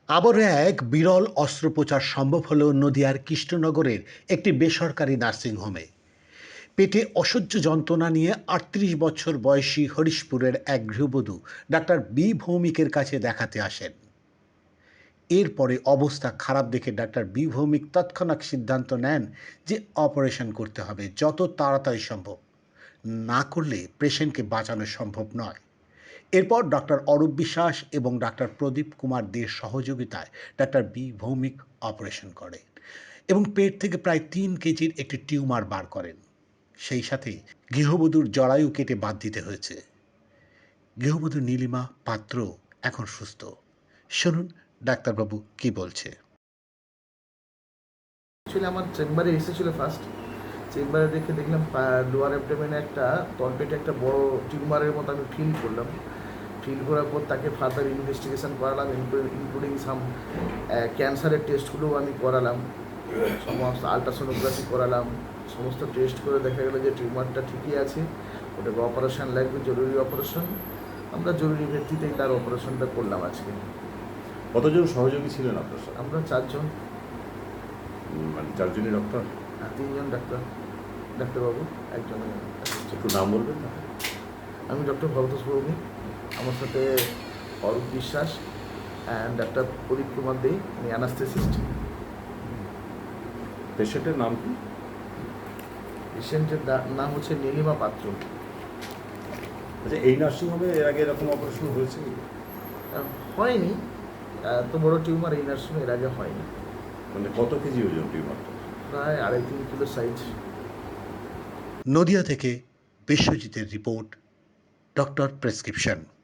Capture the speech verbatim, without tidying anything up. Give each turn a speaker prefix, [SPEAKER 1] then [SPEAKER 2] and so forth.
[SPEAKER 1] আবারও এক বিরল অস্ত্রোপচার সম্ভব হলো নদিয়ার কৃষ্ণনগরের একটি বেসরকারি নার্সিংহোমে। পেটে অসহ্য যন্ত্রণা নিয়ে আটত্রিশ বছর বয়সী হরিশপুরের এক গৃহবধূ ডাক্তার বি ভৌমিকের কাছে দেখাতে আসেন। এরপরে অবস্থা খারাপ দেখে ডাক্তার বি ভৌমিক তৎক্ষণাৎ সিদ্ধান্ত নেন যে অপারেশন করতে হবে যত তাড়াতাড়ি সম্ভব, না করলে পেশেন্টকে বাঁচানো সম্ভব নয়। এরপর ডক্টর অরূপ বিশ্বাস এবং ডাক্তার প্রদীপ কুমার দের সহযোগিতায় ডাক্তার বি ভৌমিক অপারেশন করেন এবং পেট থেকে প্রায় তিন কেজির একটি টিউমার বার করেন। সেই সাথে গৃহবধূর জরায়ু কেটে বাদ দিতে হয়েছে। গৃহবধূ নীলিমা পাত্র এখন সুস্থ। শুনুন ডাক্তারবাবু কি বলছে।
[SPEAKER 2] অ্যাকচুয়ালি আমার চেম্বারে এসেছিলো ফার্স্ট। চেম্বারে দেখে দেখলাম লোয়ার অ্যাবডোমেনে একটা তলপেটে একটা বড় টিউমারের মতো আমি ফিল করলাম। ফিল করার পর তাকে ফার্দার ইনভেস্টিগেশন করালাম, ইনক্লুডিং সাম ক্যান্সারের টেস্টগুলোও আমি করালাম, সমস্ত আলট্রাসোনোগ্রাফি করালাম। সমস্ত টেস্ট করে দেখা গেলো যে টিউমারটা ঠিকই আছে, ওটাকে অপারেশন লাগবে, জরুরি অপারেশন। আমরা জরুরি ভিত্তিতেই তার অপারেশনটা করলাম আজকে।
[SPEAKER 3] কতজন সহযোগী ছিলেন আপনার সাথে?
[SPEAKER 2] আমরা চারজন।
[SPEAKER 3] মানে চারজনই ডক্টর?
[SPEAKER 2] হ্যাঁ, তিনজন ডাক্তার, ডাক্তারবাবু, একজন।
[SPEAKER 3] একটু নাম বলবেন না?
[SPEAKER 2] আমি ডক্টর ভরতোষ ভৌমিক, আমার সাথে অরূপ বিশ্বাস অ্যান্ড ডাক্তার প্রদীপ কুমার দে, উনি অ্যানাস্থেসিস্ট।
[SPEAKER 3] পেশেন্টের নাম কি?
[SPEAKER 2] পেশেন্টের নাম হচ্ছে নীলিমা পাত্র।
[SPEAKER 3] আচ্ছা, এই নার্সিংহোমে এর আগে এরকম অপারেশন হয়েছে?
[SPEAKER 2] হয়নি, এত বড় টিউমার এই নার্সিংহোমে এর আগে হয়নি।
[SPEAKER 3] মানে কত কেজি ওজন টিউমারটা?
[SPEAKER 2] প্রায় আড়াই তিন কিলো সাইজ।
[SPEAKER 1] নদিয়া থেকে বিশ্বজিতের রিপোর্ট, ডক্টর প্রেসক্রিপশন।